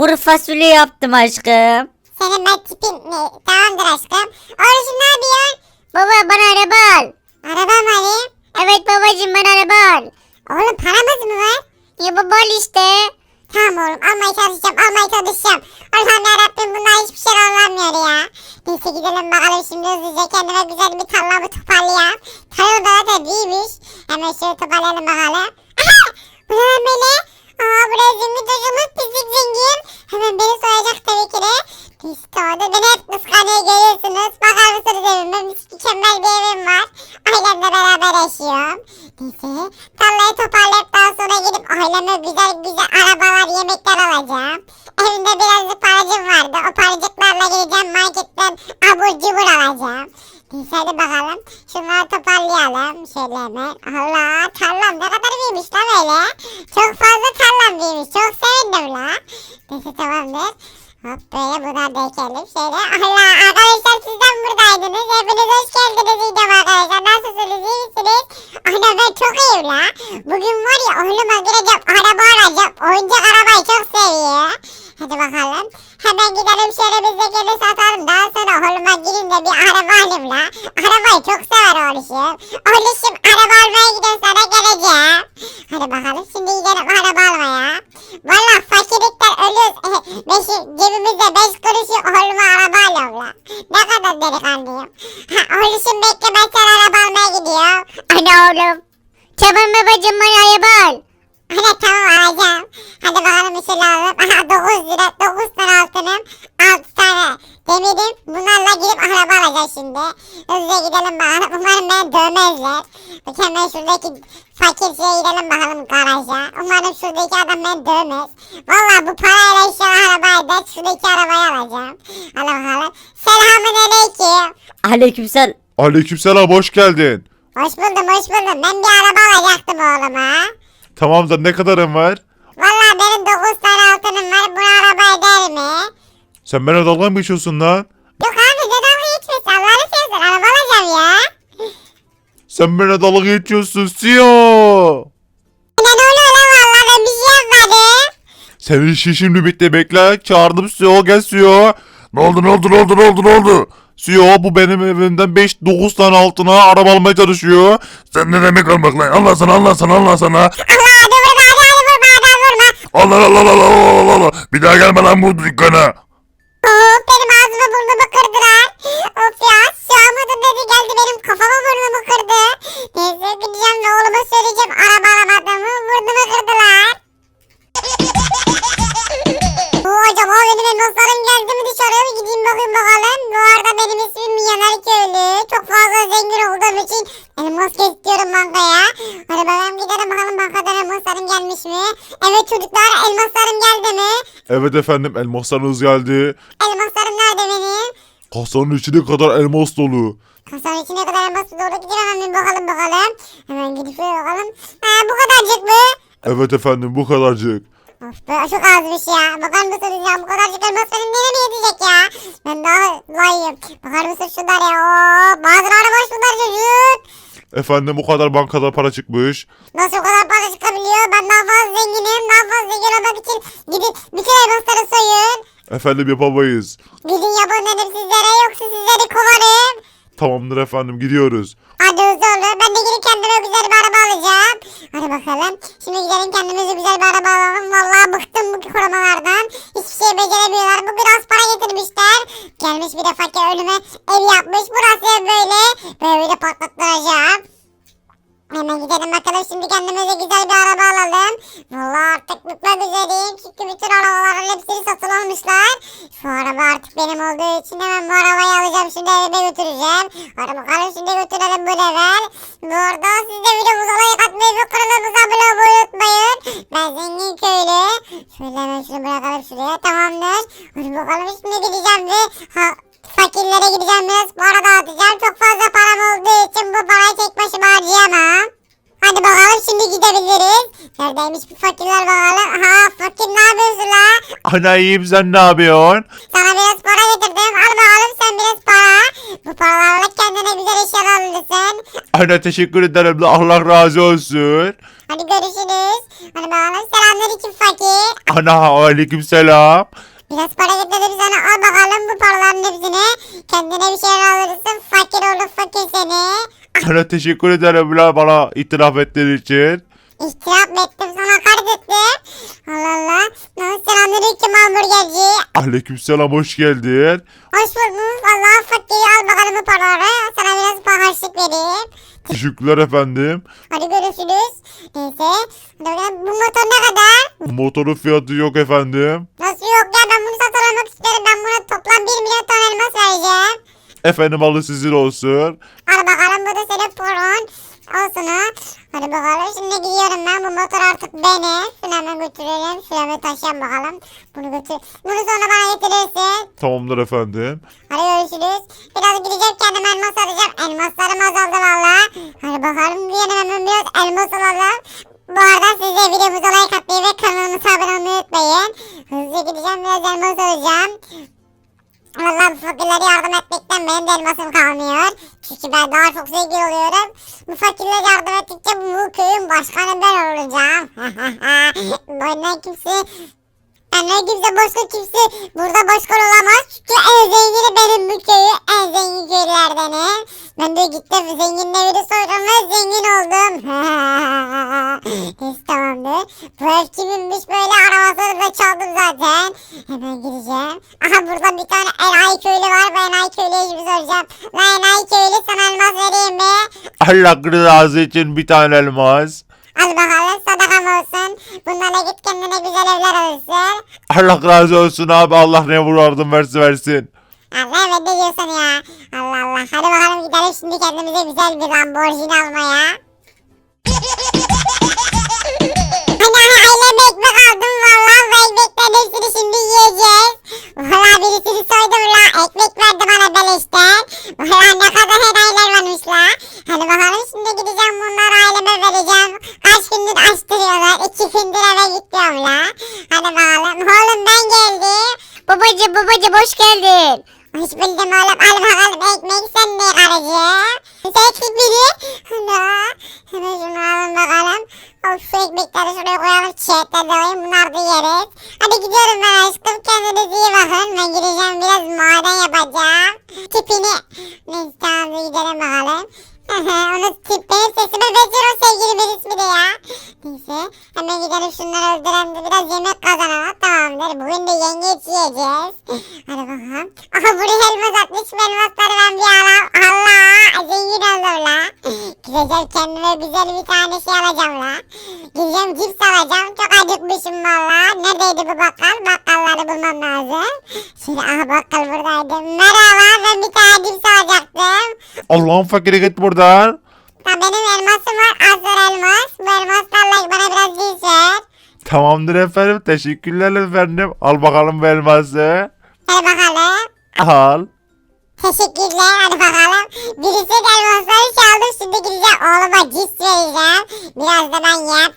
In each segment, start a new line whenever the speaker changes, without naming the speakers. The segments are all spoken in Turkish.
Kuru fasulye yaptım aşkım.
Senin ben tipin ne? Tamamdır aşkım. Oğlum ne yapıyorsun?
Baba bana araba al.
Araba mı alayım?
Evet babacığım bana araba al.
Oğlum paramız mı var?
Ya baba al işte.
Tamam oğlum almaya çalışacağım. Allah'ım yarabbim bunlar hiçbir şey anlamıyor ya. Neyse gidelim bakalım şimdi hızlıca kendime güzel bir tarlamı toparlayayım. Tarla da zaten büyümüş. Hemen şöyle toparlayalım bakalım. Aha! Bu ne lan böyle? Aa buraya zengin çocuğumuz pislik zengin. Hemen beni soyacak tabii ki de. Neyse tamam da beni hep kıskanıyor görüyorsunuz. Bakar mısınız evime? Mükemmel bir evim var. Ailemle beraber yaşıyorum. Neyse tarlayı toparlayıp daha sonra gidip aileme güzel güzel arabalar yemekler alacağım. Evimde birazcık paracım vardı. O paracıklarla gideceğim marketten abur cubur alacağım. Neyse hadi bakalım. Şunları toparlayalım. Şöyle hemen. Allah tarlam ne kadar büyümüş lan öyle. Çok fazla tarlam büyümüş. Çok sevindim la. Neyse tamamdır. Hop böyle buna da ekelim. Şöyle Allah arkadaşlar sizden buradaydınız. Hepiniz hoş geldiniz diyeceğim arkadaşlar. Nasılsınız iyi misiniz? Ana ben çok iyiyim la. Bugün var ya oğluma gireceğim araba alacağım. Oyuncak arabayı çok seviyor. Hadi bakalım. Hemen gidelim şöyle bizdekini satalım. Daha sonra oğluma girin de bir araba alayım la. Arabayı çok sever oğluşum. Oğluşum araba almaya gidiyorum sana geleceğim. Hadi bakalım şimdi gidelim araba almaya. Valla fakirlikten ölüyoruz. Cebimizde 5 kuruşu oğluma araba alıyorum la. Ne kadar delikanlıyım. Ha, oğluşum bekle ben sana araba almaya gidiyorum.
Ana oğlum. Tamam babacığım bana araba al.
Hadi tamam alacağım. Hadi bakalım bir şeyler alalım. Aha 9 lira 9 tane altınım. 6 tane demirim. Bunlarla gidip araba alacağız şimdi. Hızlıca gidelim bakalım. Umarım beni dövmezler. Hemen şuradaki fakir şeye gidelim bakalım garaja. Umarım şuradaki adam beni dövmez. Valla bu parayla inşallah arabayı da şuradaki arabayı alacağım. Hadi bakalım. Selamun aleyküm.
Aleykümselam.
Aleykümselam, hoş geldin.
Hoş buldum hoş buldum. Ben bir araba alacaktım oğluma.
Tamamdır, ne kadarın var?
Valla benim 9 tane altınım var. Bu araba eder mi?
Sen bana dalga mı geçiyorsun lan?
Yok abi ne dalga geçmesin. Allah'ını seversen araba alacağım ya.
Sen bana dalga geçiyorsun Siyo.
Ne oluyor lan valla ben bir şey yapmadım.
Senin işin şimdi bitti, bekle. Çağırdım Siyo, gel Siyo. Ne oldu? Siyo, bu benim evimden 5-9 tane altına araba almaya çalışıyor.
Sen ne demek almak lan? Allah sana.
Allah hadi vurma adam vurma.
Allah. Bir daha gelme lan bu dükkana.
Of benim ağzımı burnumu kırdılar. Of ya şu an mıdır dedi geldi benim kafama burnumu kırdı. Neyse gideceğim ve oğluma söyleyeceğim araba alamadığımı burnumu kırdılar. Acaba benim elmaslarım geldi mi dışarıya mı gideyim bakayım bakalım. Bu arada benim ismim Milyoner Köylü. Çok fazla zengin olduğum için elmas istiyorum bankaya. Hadi bakalım gidelim bakalım bankadan elmaslarım gelmiş mi? Evet çocuklar elmaslarım geldi mi?
Evet efendim, elmaslarınız geldi.
Elmaslarım nerede benim?
Kasanın içine kadar elmas dolu.
Kasanın içine kadar elmas doğru gidiyor hemen bir bakalım. Hemen gidip şöyle bakalım. Ha bu kadarcık mı?
Evet efendim, bu kadarcık.
Of be çok azmış ya. Bakar mısınız ya bu kadarcık elmas benim nereye mi yetecek ya? Ben daha layığım. Bakar mısın şunlar ya? Oo, bazıları boş bunlar çocuk.
Efendim, bu kadar bankada para çıkmış.
Nasıl o kadar para çıkabiliyor? Ben daha fazla zenginim. Daha fazla zengin olmak için gidin bütün elmasları soyun.
Efendim, yapamayız.
Gidin yapın dedim sizlere yoksa sizleri kovarım.
Tamamdır efendim, gidiyoruz.
Hadi hızlı olun. Ben de gidip kendime güzel bir araba alacağım. Hadi bakalım. Şimdi gidelim kendimize güzel bir araba alalım. Vallahi bıktım bu korumalardan. Hiçbir şey beceremiyorlar. Bu biraz para getirmişler. Gelmiş bir de fakir ölüme ev yapmış. Burası ev böyle. Böyle patlattıracağım. Hemen gidelim bakalım şimdi kendimize güzel bir araba alalım. Vallahi artık bitmek üzereyim. Çünkü bütün arabaların hepsini satın almışlar. Şu araba artık benim olduğu için hemen bu arabayı alacağım. Şimdi evime götüreceğim. Hadi bakalım şimdi götürelim bu level. Bu arada siz de videomuza like atmayı ve kanalımıza abone olmayı unutmayın. Ben zengin köylü. Şöyle hemen şunu bırakalım şuraya. Tamamdır. Hadi bakalım şimdi gideceğim ve fakirlere gideceğim biraz para dağıtacağım. Çok fazla param olduğu için bu parayı tek başıma harcayamam. Hadi bakalım şimdi gidebiliriz. Neredeymiş bu fakirler bakalım. Aha fakir ne yapıyorsun la?
Ana iyiyim, sen ne yapıyorsun?
Sana biraz para getirdim. Al bakalım sen biraz para. Bu paralarla kendine güzel eşyalar alırsın.
Ana teşekkür ederim de Allah razı olsun.
Hadi görüşürüz. Hadi bakalım selamünaleyküm fakir.
Ana aleykümselam.
Biraz para getirdim sana, al bakalım bu paraların hepsini. Kendine bir şeyler alırsın, fakir olur fakir seni.
Ana teşekkür ederim la bana itiraf ettiğin için.
İhtirap mı ettim, sana hakaret ettim. Allah Allah. Selamünaleyküm hamburgerci.
Aleykümselam hoş geldin.
Hoş bulduk. Allah'ın fakiri, al bakalım bu paraları. Sana biraz harçlık vereyim.
Teşekkürler efendim.
Hadi görüşürüz. Neyse. Hadi bakalım, bu motor ne kadar?
Motorun fiyatı yok efendim.
Nasıl yok ya, ben bunu satın almak isterim. Ben buna toplam 1 milyon ton elmas vereceğim.
Efendim alı sizin olsun.
Al bakalım, bu da senin paran. Olsun ha. Hadi bakalım, şimdi gidiyorum ben. Bu motor artık benim. Şunu hemen götürelim. Şuraya taşıyalım bakalım. Bunu götür. Bunu sonra bana getirirsin.
Tamamdır efendim.
Hadi görüşürüz. Biraz gideceğim, kendime elmas alacağım. Elmaslarım azaldı valla. Hadi bakalım, bir yana hemen biraz elmas alalım. Bu arada siz de videomuza like atmayı ve kanalımıza abone olmayı unutmayın. Hızlıca gideceğim, biraz elmas alacağım. Valla bu fakirlere yardım etmekten benim de elmasım kalmıyor. Çünkü ben daha çok zengin oluyorum. Bu fakirlere yardım ettikçe bu köyün başkanı ben olacağım. Benden kimse başka kimse burada başkan olamaz. Çünkü en zengini benim bu köyü. En zengin köylerdenim. Ben de gittim zenginin evini soydum ve zengin oldum. Neyse tamamdır. Bu ev kiminmiş böyle, arabasını da çaldım zaten. Hemen gireceğim. Aha burada bir tane enayi köylü var. Ben enayi köylüye şimdi soracağım. Lan enayi köylü, sana elmas vereyim mi?
Allah rızası için bir tane elmas.
Al bakalım, sadakam olsun. Bunlarla git kendine güzel evler alırsın.
Allah razı olsun abi Allah ne vurardın versin.
Allah, evet ne diyorsun ya? Allah Allah. Hadi bakalım gidelim şimdi kendimize güzel bir Lamborghini almaya. Hani aileme ekmek aldım valla. Bu ekmeklerin hepsini şimdi yiyeceğiz. Valla birisini soydum la. Ekmek verdi bana beleşten. Valla ne kadar enayiler varmış la. Hadi bakalım şimdi gideceğim, bunları aileme vereceğim. Kaç gündür açtırıyorlar. 2 gündür eve gitmiyorum la. Hadi bakalım. Oğlum ben geldim.
Babacım hoş geldin.
Hoş buldum oğlum. Al bakalım ekmek, sen ne karıcığım? Sen biri. Ana. Hemen şunu alın bakalım. Of, şu ekmekleri şuraya koyalım. Çiğetleri de koyayım. Bunlar da yeriz. Hadi gidiyorum ben aşkım. Kendinize iyi bakın. Ben gideceğim, biraz maden yapacağım. Tipini. Neyse tamam, gidelim bakalım. Onun benim sesime benziyor o sevgilimin ismi de ya. Neyse hemen gidelim şunları öldürelim de biraz yemek kazanalım, tamamdır. Bugün de yengeç yiyeceğiz. Hadi bakalım. Aha buraya elmas atmış, elmasları ben bir alam. Allah, zengin oldum la. Gideceğim kendime güzel bir tane şey alacağım la. Gideceğim cips alacağım, çok acıkmışım valla. Neredeydi bu bakkal? Bakkalları bulmam lazım. Şimdi aha bakkal buradaydı. Merhaba, ben bir tane cips alacaktım.
Allah'ın fakiri git buradan.
Ya benim elmasım var, azlar elmas. Bu elmaslarla bana biraz cins ver.
Tamamdır efendim teşekkürler efendim. Al bakalım bu elması.
Hadi bakalım.
Al.
Teşekkürler, hadi bakalım. Birisi de elmasları çaldım, şimdi gideceğim oğluma cins vereceğim. Biraz da ben yiyeyim.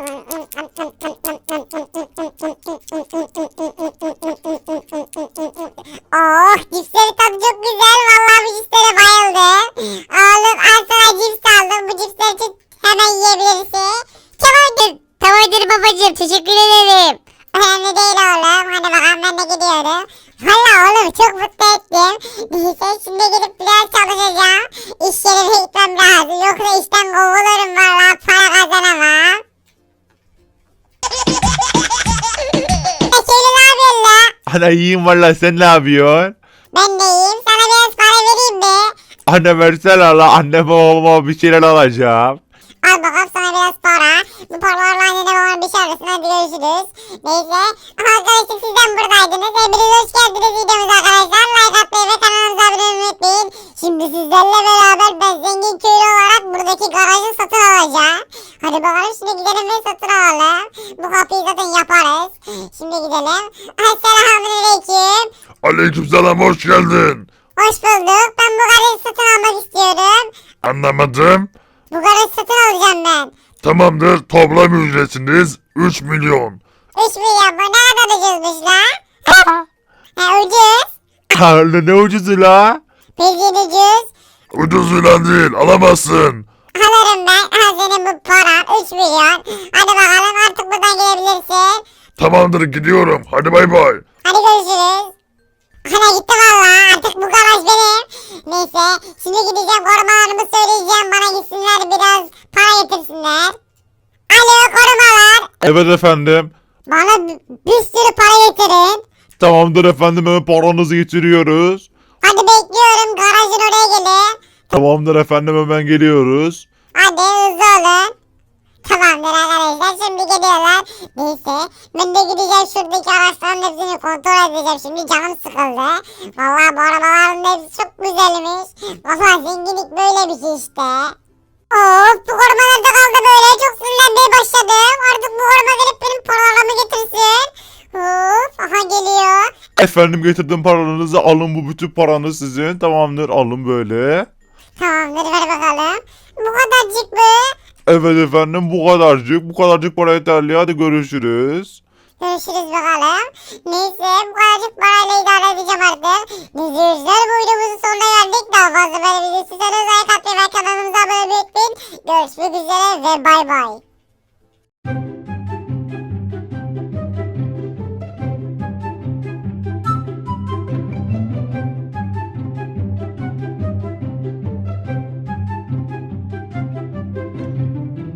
Oh, cipsleri tadı çok güzel. Vallahi bu cipslere bayıldım. Oğlum al sana cips aldım. Bu cipsleri için hemen yiyebilirsin.
Tamamdır babacım, teşekkür ederim.
Önemli değil oğlum. Hadi bakalım, ben de gidiyorum. Valla oğlum çok mutlu ettim. Neyse şimdi gidip biraz çalışacağım. İş yerine gitmem lazım. Yoksa işten kovulurum valla. Para kazanamam. Köylü ne yapıyorsun la?
Ana iyiyim valla sen ne yapıyorsun?
Ben de iyiyim. Sana biraz para vereyim mi?
Anne versene la anneme oğluma bir şeyler alacağım.
Al bakalım sana biraz para. Bu paralarla annene babana bir şey alırsın. Hadi görüşürüz. Neyse. Arkadaşlar sizden buradaydınız. Hepiniz hoş geldiniz videomuza arkadaşlar. Like atmayı ve kanalımıza abone olmayı unutmayın. Şimdi sizlerle beraber ben zengin köylü olarak buradaki garajı satın alacağım. Hadi bakalım şimdi gidelim ve satın alalım. Bu kapıyı zaten yaparız. Şimdi gidelim. Selamünaleyküm.
Aleykümselam hoş geldin.
Hoş bulduk. Ben bu garajı satın almak istiyorum.
Anlamadım.
Bu garajı satın alacağım ben.
Tamamdır toplam ücretiniz 3 milyon.
3 milyon mu? Ne kadar ucuzmuş la? Ucuz.
Anne ne ucuzu la?
Bildiğin ucuz.
Ucuz filan değil alamazsın.
Alırım ben. Al senin bu paran 3 milyon. Hadi bakalım artık buradan gidebilirsin.
Tamamdır gidiyorum. Hadi bay bay.
Hadi görüşürüz. Ana gitti valla. Artık bu garaj benim. Neyse. Şimdi gideceğim korumalarımı söyleyeceğim. Bana gitsinler biraz para getirsinler. Alo korumalar.
Evet efendim.
Bana bir sürü para getirin.
Tamamdır efendim, hemen paranızı getiriyoruz.
Hadi bekliyorum. Garajın oraya gelin.
Tamamdır efendim, hemen geliyoruz.
Hadi hızlı olun. Tamamdır arkadaşlar şimdi geliyorlar. Neyse ben de gideceğim şuradaki araçların hepsini kontrol edeceğim. Şimdi canım sıkıldı. Vallahi bu arabaların hepsi çok güzelmiş. Vallahi zenginlik böyle bir şey işte. Of bu koruma nerede kaldı böyle? Çok sinirlenmeye başladım. Artık bu koruma gelip benim paralarımı getirsin. Of aha geliyor.
Efendim, getirdim paranızı, alın, bu bütün paranız sizin. Tamamdır, alın böyle.
Tamamdır ver bakalım. Bu kadarcık mı?
Evet efendim, bu kadarcık para yeterli, hadi görüşürüz.
Görüşürüz bakalım. Neyse bu kadarcık parayla idare edeceğim artık. İzleyiciler bu videomuzun sonuna geldik. Daha fazla böyle video istiyorsanız like atmayı ve kanalımıza abone olmayı unutmayın. Görüşmek üzere ve bay bay.